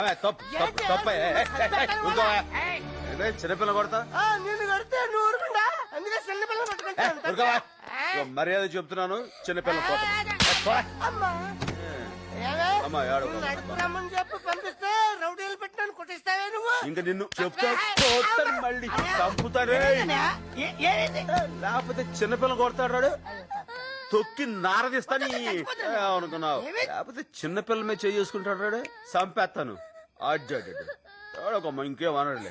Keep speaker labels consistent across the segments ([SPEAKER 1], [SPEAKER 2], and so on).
[SPEAKER 1] చిన్నపిల్ల కొడతా
[SPEAKER 2] నిన్ను కడితే నువ్వు ఊరుకుండా అందుకే చిన్నపిల్ల పట్టుకుంటా
[SPEAKER 1] మర్యాద చెప్తున్నాను చిన్నపిల్ల
[SPEAKER 2] అమ్మా రమ్మని చెప్పి పంపిస్తే రౌడీలు పెట్టినాను కొట్టిస్తావే నువ్వు
[SPEAKER 1] ఇంకా నిన్ను చెప్తా మళ్ళీ చంపుతాడే లేకపోతే చిన్నపిల్ల కొడతాడు తొక్కి నారదిస్తాని అనుకున్నావు లేకపోతే చిన్నపిల్ల మీద చేసుకుంటాడు చంపేస్తాను అడ్డమ్మ ఇంకేమనడులే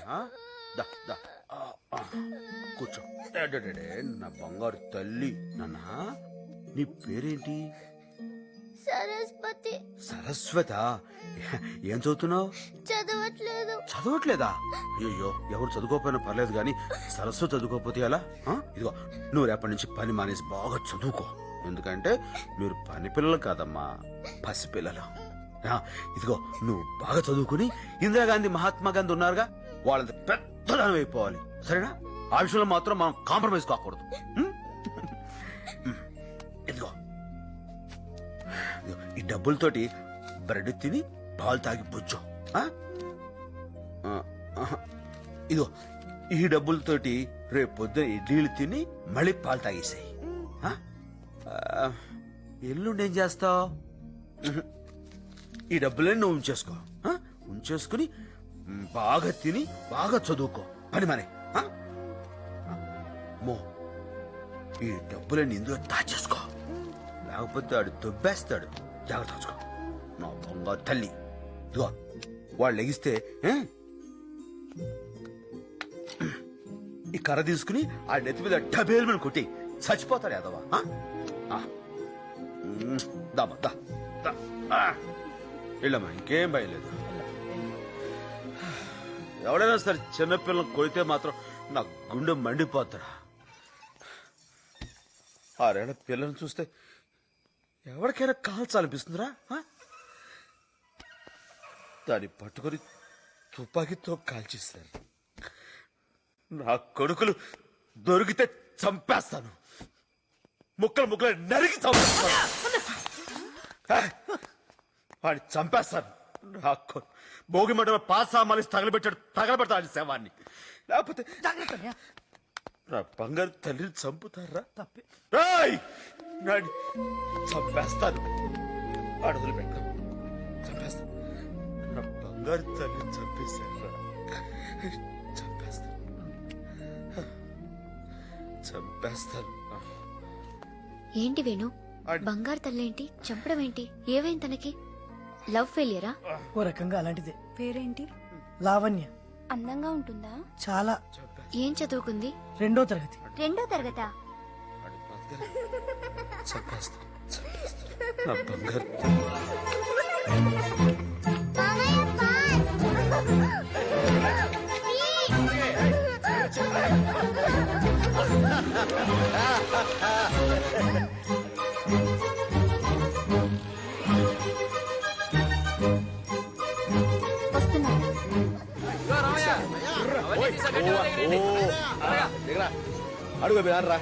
[SPEAKER 1] కూర్చో నా బంగారు తల్లి నాన్న నీ పేరేంటి
[SPEAKER 3] సరస్వతి.
[SPEAKER 1] సరస్వత ఏం చదువుతున్నావు చదవట్లేదా అయ్యో ఎవరు చదువుకోకపోయినా పర్లేదు గాని సరస్వతి చదువుకోకపోతే ఎలా ఇదిగో నువ్వు రేపటి నుంచి పని మానేసి బాగా చదువుకో ఎందుకంటే మీరు పని పిల్లలు కాదమ్మా పసిపిల్లలు ఇదిగో నువ్వు బాగా చదువుకుని ఇందిరాగాంధీ మహాత్మా గాంధీ ఉన్నారుగా వాళ్ళంత పెద్దదానం అయిపోవాలి సరేనా ఆ విషయంలో మాత్రం మనం కాంప్రమైజ్ కాకూడదు ఇదిగో ఈ డబ్బులతోటి బ్రెడ్ తిని పాలు తాగి పుచ్చు ఇదిగో ఈ డబ్బులతోటి రేపు పొద్దున ఇడ్లీలు తిని మళ్ళీ పాలు తాగేసాయి ఎల్లుండి ఏం చేస్తావు ఈ డబ్బులన్నీ నువ్వు ఉంచేసుకుని బాగా తిని బాగా చదువుకో పని మనే మో ఈ డబ్బులన్నీ ఇందులో దాచేసుకో లేకపోతే ఆడు దొబ్బేస్తాడు జాగ్రత్త చూసుకో నా బంగారు తల్లి ఇదిగో వాళ్ళు లెగిస్తే ఈ కర్ర తీసుకుని ఆ నెత్తి మీద డబేల్ మీద కొట్టి చచ్చిపోతాడు యాదవా వెళ్ళమ్మా ఇంకేం భయలేదు ఎవడైనా సరే చిన్నపిల్లలు కొడితే మాత్రం నా గుండె మండిపోతాడా 6 ఏళ్ల పిల్లల్ని చూస్తే ఎవరికైనా కాల్చాలనిపిస్తుందిరా దాన్ని పట్టుకొని తుపాకీతో కాల్చేస్తారు నా కొడుకులు దొరికితే చంపేస్తాను ముక్కలు నరికి చంపేస్తాను వాడిని చంపేస్తాను నా భోగి మంటలో పాసామాలి తగలబెడతాడు శవాన్ని లేకపోతే నా బంగారు తల్లిని చంపుతారా చంపేస్తాను అడుగులు పెట్టాను చంపేస్తాను నా బంగారు తల్లిని చంపేశాను చంపేస్తాను
[SPEAKER 3] ఏంటి వేణు బంగారు తల్లేంటి చంపడం ఏంటి ఏవైంది తనకి లవ్ ఫెయిలియరా
[SPEAKER 4] ఓ రకంగా అలాంటిదే.
[SPEAKER 5] పేరేంటి?
[SPEAKER 4] లావణ్య.
[SPEAKER 5] అందంగా ఉంటుందా?
[SPEAKER 4] చాలా.
[SPEAKER 3] ఏం చదువుకుంది?
[SPEAKER 4] 2వ తరగతి.
[SPEAKER 3] 2వ తరగతా?
[SPEAKER 1] అడుగు రా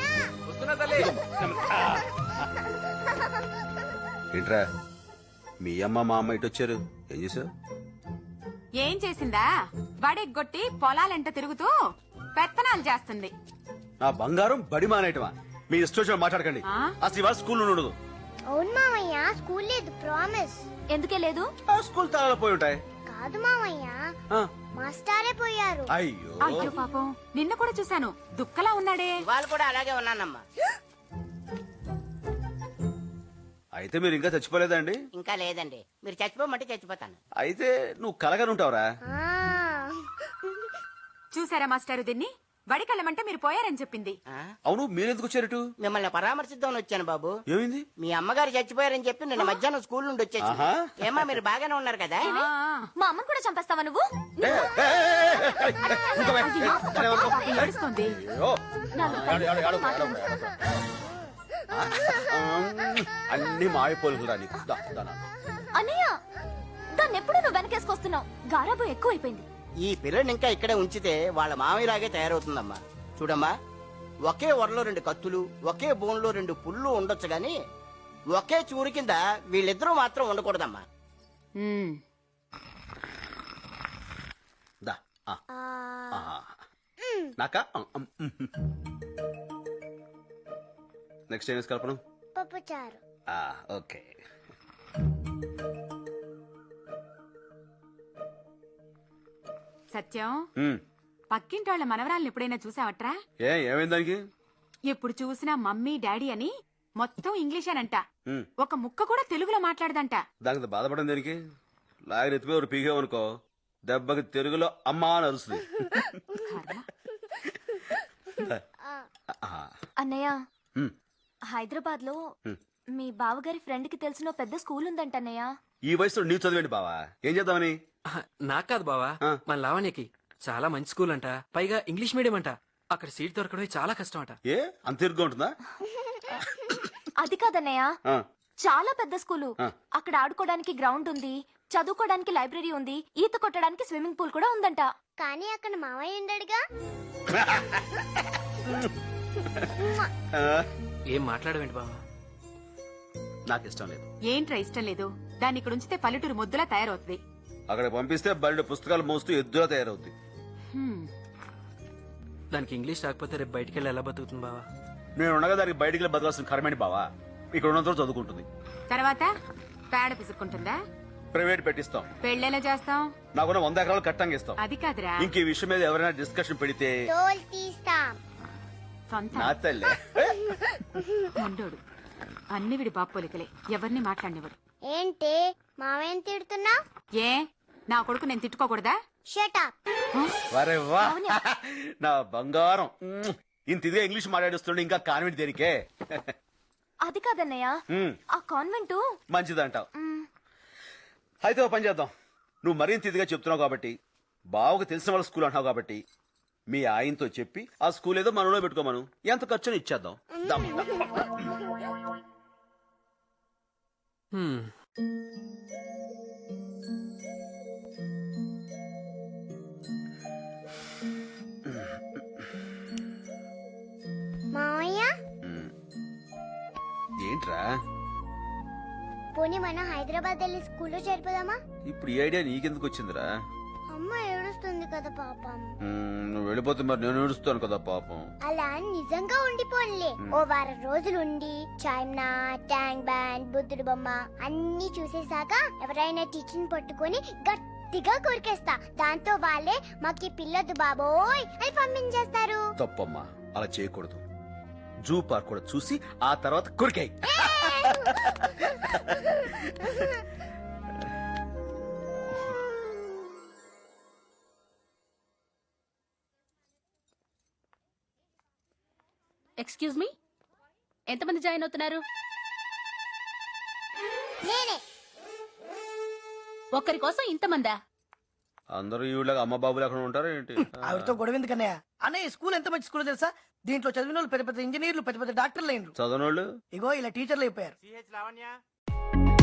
[SPEAKER 1] ఏంట్రా మీ అమ్మ మా అమ్మ ఇటు వచ్చారు ఏం చేసావు?
[SPEAKER 6] ఏం చేసిందా బడెగ్గొట్టి పొలాలెంట తిరుగుతూ పెత్తనాలు చేస్తుంది.
[SPEAKER 1] నా బంగారం బడి మానేయటమా? మీ ఇష్టం మాట్లాడకండి. అసలు ఇవాళ స్కూల్ ఉండదు.
[SPEAKER 3] అవును మామయ్య స్కూల్ లేదు ప్రామిస్. ఎందుకే లేదు?
[SPEAKER 1] స్కూల్ తాళాలు పోయి ఉంటాయి.
[SPEAKER 3] కాదు మామయ్య మాస్టారే పోయారు.
[SPEAKER 1] అయ్యో
[SPEAKER 6] అయ్యో పాపం నిన్న కూడా చూశాను దుక్కలా ఉన్నాడే.
[SPEAKER 2] వాళ్ళు కూడా అలాగే ఉన్నానమ్మా.
[SPEAKER 1] అయితే మీరు ఇంకా చచ్చిపోలేదండి?
[SPEAKER 2] ఇంకా లేదండి. మీరు చచ్చిపోమంటే చచ్చిపోతాను.
[SPEAKER 1] అయితే నువ్వు కలగనుంటావురా?
[SPEAKER 6] చూసారా మాస్టారు దీన్ని బడికెళ్ళమంటే మీరు పోయారని చెప్పింది.
[SPEAKER 1] అవును మీరెందుకు వచ్చారటు?
[SPEAKER 2] మిమ్మల్ని పరామర్శిద్దామని వచ్చాను బాబు.
[SPEAKER 1] ఏమైంది?
[SPEAKER 2] మీ అమ్మగారు చచ్చిపోయారని చెప్పి నిన్న మధ్యాహ్నం స్కూల్ నుండి వచ్చేసి ఏమా మీరు బాగానే ఉన్నారు కదా?
[SPEAKER 3] మా అమ్మని కూడా చంపేస్తావా నువ్వు?
[SPEAKER 6] ఏడుస్తోంది.
[SPEAKER 1] అన్ని మాయపోలుకురా నీకు.
[SPEAKER 3] అన్నయ్య దాన్ని ఎప్పుడు నువ్వు వెనకేసుకొస్తున్నావు. గారాబం ఎక్కువైపోయింది.
[SPEAKER 2] ఈ పిల్లని ఇంకా ఇక్కడే ఉంచితే వాళ్ళ మామయ్యలాగే తయారవుతుందమ్మా. చూడమ్మా, ఒకే వరలో 2 కత్తులు, ఒకే బోన్లో 2 పుళ్ళు ఉండొచ్చు గాని ఒకే చూరు కింద వీళ్ళిద్దరూ మాత్రం ఉండకూడదమ్మా.
[SPEAKER 1] నాకా నెక్స్ట్ ఏం కల్పన
[SPEAKER 5] పప్పుచారు.
[SPEAKER 1] ఓకే.
[SPEAKER 6] సత్యం
[SPEAKER 1] ఉమ్,
[SPEAKER 6] పక్కింటి వాళ్ళ మనవరాలను ఎప్పుడైనా చూసావట్రా?
[SPEAKER 1] ఏమైంది దానికి?
[SPEAKER 6] ఎప్పుడు చూసినా మమ్మీ డాడీ అని మొత్తం ఇంగ్లీషేనంట.
[SPEAKER 1] ఉమ్,
[SPEAKER 6] ఒక ముక్క కూడా తెలుగులో మాట్లాడదంట.
[SPEAKER 1] దానికి బాధపడడం దేనికి? లాగిన ఎత్తిపోయి ఒక పీకేవనుకో దెబ్బకి తెలుగులో అమ్మా అని అరుస్తుంది.
[SPEAKER 3] అన్నయ్య
[SPEAKER 1] ఉమ్,
[SPEAKER 3] హైదరాబాద్ లో
[SPEAKER 1] హ్మ్.
[SPEAKER 3] మీ బావగారి ఫ్రెండ్ కి తెలిసిన ఓ పెద్ద స్కూల్ ఉందంట అన్నయ్య.
[SPEAKER 1] ఈ వయసులో నీవు చదివేంటి బావా? ఏం చేద్దామని?
[SPEAKER 7] నాకు కాదు బావా,
[SPEAKER 1] ఆ.
[SPEAKER 7] మన లావణ్యకి చాలా మంచి స్కూల్ అంట, పైగా ఇంగ్లీష్ మీడియం అంట. అక్కడ సీట్ దొరకడమే చాలా కష్టం అంట.
[SPEAKER 1] ఏ అంత ఇరుగ్గా ఉంటుందా?
[SPEAKER 3] అది కాదన్నయ్య,
[SPEAKER 1] ఆ,
[SPEAKER 3] చాలా పెద్ద స్కూలు.
[SPEAKER 1] ఆ.
[SPEAKER 3] అక్కడ ఆడుకోవడానికి గ్రౌండ్ ఉంది, చదువుకోవడానికి లైబ్రరీ ఉంది, ఈత కొట్టడానికి స్విమ్మింగ్ పూల్ కూడా ఉందంట.
[SPEAKER 5] కానీ అక్కడ మావయ్య ఉండడుగా.
[SPEAKER 1] ఆ,
[SPEAKER 7] ఏం మాట్లాడవేంటి బావా?
[SPEAKER 1] నాకు ఇష్టం లేదు.
[SPEAKER 6] ఏంట్రా ఇష్టం లేదు? దాన్ని ఇక్కడ ఉంచితే పల్లెటూరు ముద్దులా తయారవుతుంది.
[SPEAKER 1] అక్కడ పంపిస్తే బయట పుస్తకాలు మోస్తూ ఎద్దులా తయారవుద్ది.
[SPEAKER 6] హ్మ్.
[SPEAKER 7] దానికి ఇంగ్లీష్ రాకపోతే రేపు బయటికి వెళ్ళి ఎలా బతుకుతుంది బావా?
[SPEAKER 1] నేను ఉండగా దానికి బయటికి బతకాల్సిన కర్మేంటి బావా? ఇక్కడ ఉన్నంత చదువుకుంటుంది.
[SPEAKER 6] తర్వాత పేడ పిసుక్కుంటుందా?
[SPEAKER 1] ప్రైవేట్ పెట్టిస్తాం.
[SPEAKER 6] పెళ్ళెలా చేస్తాం?
[SPEAKER 1] నాకున్న 100 ఎకరాలు కట్టంగా ఇస్తాం.
[SPEAKER 6] అది కాదురా,
[SPEAKER 1] ఇంక ఈ విషయం మీద ఎవరైనా డిస్కషన్ పెడితే
[SPEAKER 5] తోలు తీస్తాం.
[SPEAKER 6] సొంత
[SPEAKER 1] నా తల్లే.
[SPEAKER 6] మొండోడు. అన్ని విడి బాపోలికలే, ఎవరిని మాట్లాడినవాడు.
[SPEAKER 5] ఏంటి మావయ్యని తిడుతున్నా?
[SPEAKER 6] ఏ నా కొడుకు నేను తిట్టుకోకూడదా?
[SPEAKER 5] షటప్.
[SPEAKER 1] వరే వా, నా బంగారం. ఇంత ఇదిగా ఇంగ్లీష్ మాట్లాడిస్తుండే ఇంకా కాన్వెంట్ దేనికే?
[SPEAKER 3] అది కాదన్నయ్య,
[SPEAKER 1] ఉమ్,
[SPEAKER 3] ఆ కాన్వెంట్
[SPEAKER 1] మంచిదంటావు. అయితే ఓ పని చేద్దాం. నువ్వు మరింత ఇదిగా చెప్తున్నావు కాబట్టి, బావకు తెలిసిన వాళ్ళ స్కూల్ అంటున్నావు కాబట్టి, మీ ఆయనతో చెప్పి ఆ స్కూల్ ఏదో మనలో పెట్టుకోమను. ఎంత ఖర్చుని ఇచ్చేద్దాం. దమ్.
[SPEAKER 7] హ్మ్.
[SPEAKER 5] మావయ్య
[SPEAKER 1] ఏంట్రా
[SPEAKER 5] పోనీ మనం హైదరాబాద్ వెళ్ళి స్కూల్లో చేరిపోదామా?
[SPEAKER 1] ఇప్పుడు ఈ ఐడియా నీకెందుకు వచ్చిందిరా?
[SPEAKER 5] అమ్మ ఏడుస్తుంది కదా పాపం.
[SPEAKER 1] నువ్వు వెళ్ళిపోతే మరి నేను ఏడుస్తాను కదా పాపం.
[SPEAKER 5] అలా నిజంగా ఉండిపోన్లే. ఓ వారం రోజులు ఉండి చాయ్నా, ట్యాంక్ బ్యాండ్, బుద్ధుడు బొమ్మ అన్ని చూసేసాక ఎవరైనా టీచర్ పట్టుకొని గట్టిగా కొరికేస్తా. దాంతో వాళ్ళే మాకి పిల్లొద్దు బాబోయ్ అని పంపించేస్తారు.
[SPEAKER 1] తప్పమ్మా, అలా చేయకూడదు. జూ పార్క్ కూడా చూసి ఆ తర్వాత కొరికాయి.
[SPEAKER 8] ఎక్స్క్యూజ్ మీ, ఎంతమంది జాయిన్ అవుతున్నారు?
[SPEAKER 5] నేనే.
[SPEAKER 8] ఒక్కరి కోసం ఇంతమందా?
[SPEAKER 1] అందరూ ఈవిడగా అమ్మ బాబులు ఎక్కడ ఉంటారు ఏంటి?
[SPEAKER 4] ఆవిడతో గొడవ ఎందుకన్నయ్య? అన్నయ్య ఈ స్కూల్ ఎంత మంచి స్కూల్ తెలుసా? దీంట్లో చదివిన వాళ్ళు పెద్ద పెద్ద ఇంజనీర్లు, పెద్ద పెద్ద డాక్టర్లు అయినరు.
[SPEAKER 1] చదవనోళ్ళు
[SPEAKER 4] ఇగో ఇలా టీచర్లు అయిపోయారు.
[SPEAKER 2] లావణ్య